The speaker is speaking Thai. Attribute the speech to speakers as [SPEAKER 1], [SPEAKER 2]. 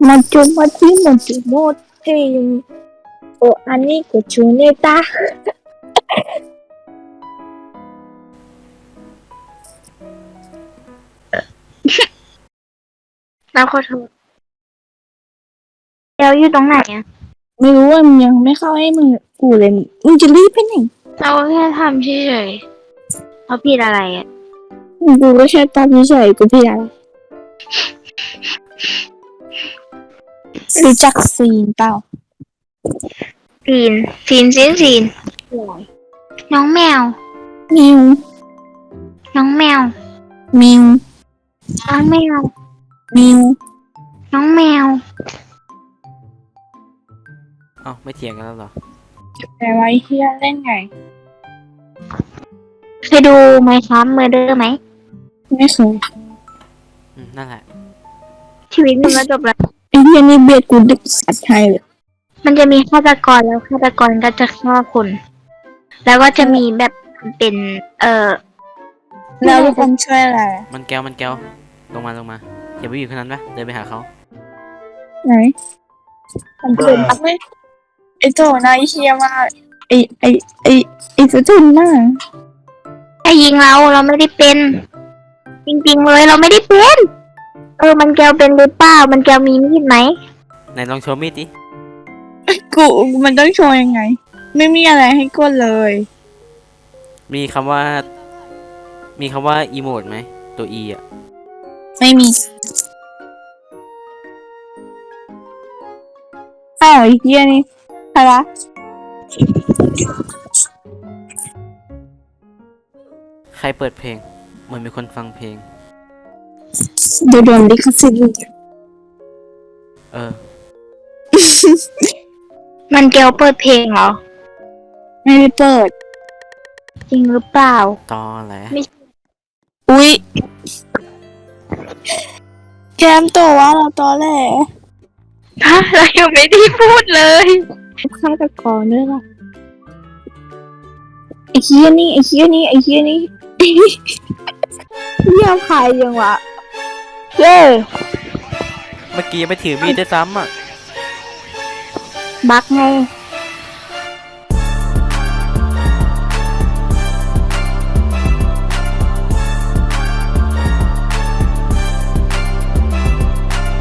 [SPEAKER 1] Mochi o amico Chuneta เราขอโทษแล้วอยู่ตรงไหนอ่ะ
[SPEAKER 2] ไม่รู้ว่ามึงยังไม่เข้าให้มึงกูเลยมึงจะรีบไปไหน
[SPEAKER 1] เราแค่ทำเฉยๆเขาผิดอะไรอ่ะ
[SPEAKER 2] กูก็แค่ตามเฉยๆกูพี่อะไรรู้จักซีนเปล่า
[SPEAKER 1] ซีนน้องแมว
[SPEAKER 2] มิว
[SPEAKER 1] น้องแมว
[SPEAKER 2] มิว
[SPEAKER 1] น้องแมว
[SPEAKER 2] มิว
[SPEAKER 1] น้องแมว
[SPEAKER 3] เอ้าไม่เถียงกันแล้วเหรอ
[SPEAKER 2] แต่ว่าเฮียเล่นไง
[SPEAKER 1] เคยดูไหมครับเมอร์เดอร์ไหม
[SPEAKER 2] ไม่เคย
[SPEAKER 3] นั่นแหละ
[SPEAKER 1] ชีวิตมันก็จบแล้ว
[SPEAKER 2] ไอ้เฮียนี่เบียดกูดึกสัตว์ไทยเลย
[SPEAKER 1] มันจะมีฆาตกรแล้วฆาตกรก็จะฆ่าคนแล้วก็จะมีแบบเป็น
[SPEAKER 2] แล้วทุกคนช่วยอะไร
[SPEAKER 3] มันแก้วลงมาอย่าไปอยู่ขนาดนั้นปะเดินไปหาเขา
[SPEAKER 2] ไหนมันเป็นไม่ไอ้โจนายเฮียมากไอ้สุดทุนมาก
[SPEAKER 1] ไอ้ยิงเราไม่ได้เป็นจริงๆเลยเราไม่ได้เป็นมันแกวเป็นหรือเปล่ามันแกวมีมีดไหม
[SPEAKER 3] ไหนลองโชว์มีดดิ
[SPEAKER 2] กูมันต้องโชว์ยังไงไม่มีอะไรให้กดเลย
[SPEAKER 3] มีคำว่าอีโมดไหมตัว E อ่ะ
[SPEAKER 2] ไม่มีอ้าวไอ้เฮียนี่ใครวะ
[SPEAKER 3] ใครเปิดเพลงเหมือนมีคนฟังเพลง
[SPEAKER 2] เดี๋ยวโดนลิขสิทธิ์
[SPEAKER 1] มันแกวเปิดเพลงเหรอ
[SPEAKER 2] ไม่ได้เปิด
[SPEAKER 1] จริงหรือเปล่า
[SPEAKER 3] ตอแหละ
[SPEAKER 2] อุ๊ยแกมตัวว่าเราตอแหล
[SPEAKER 1] เรายังไม่ได้พูดเลย
[SPEAKER 2] ฆาตกรด้วยล่ะไอ้เฮียนี่เฮียพายยังวะ
[SPEAKER 1] เ
[SPEAKER 3] มื่อกี้ไม่ถือมีดได้ซ้ำอ่ะ
[SPEAKER 1] บักไง